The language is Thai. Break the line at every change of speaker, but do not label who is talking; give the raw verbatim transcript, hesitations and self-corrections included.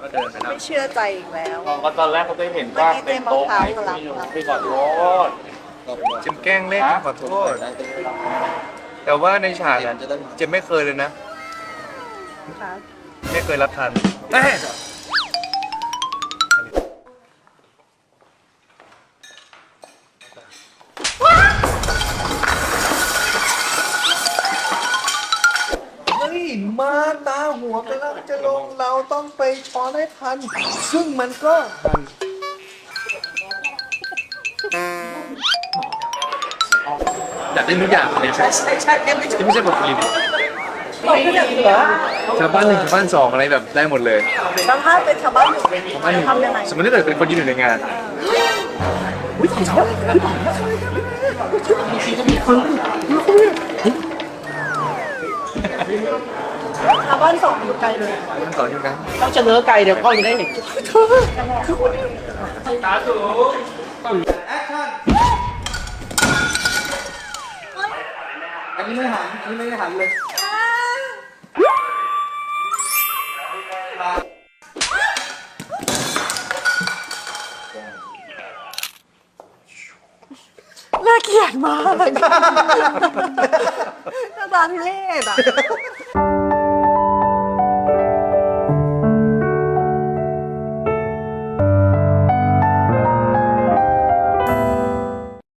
ก็เดินไปแล้ว
ไม่เชื่อใจอีกแล้ว
ก็ตอนแรกเขาได้เห็นว่าเต็มโต๊ะไหมพี่ขอโทษ
เจมแกล้งเล่นขอโทษแต่ว่าในฉากอะเจมไม่เคยเลยนะ
ค่ะ
ไม่เคยรับทันเฮ้ยมาตาหัวกำลังจะลงเราต้องไปช้อนให้ทัน ซึ่งมันก็ทันอยากได้ทุกอย่างเลยใช่ใช่ใช่ไม่ใช่ไม่ใช่บทกลิ่นชาวบ้านหนึ่งชาวบ้านสองอะไรแบบได้หมดเลย
แล้วถ้าเป็นชาวบ้านอยู่
ชาวบ้านหนึ่ง
ทำยังไง
สมมติถ้าเกิดเป็นคนยืนอยู่ในงาน
ชาวบ้านสองอยู่ไกลเลย
มันต่ออยู่กัน
ต้องเสนอไก่เดี๋ยวกล้องจะได้เห็น
อันนี้ไม่หันอันนี้ไม่ได้หันเลย
น่าเกลียดมากหน้าตาทุเรศอ่ะ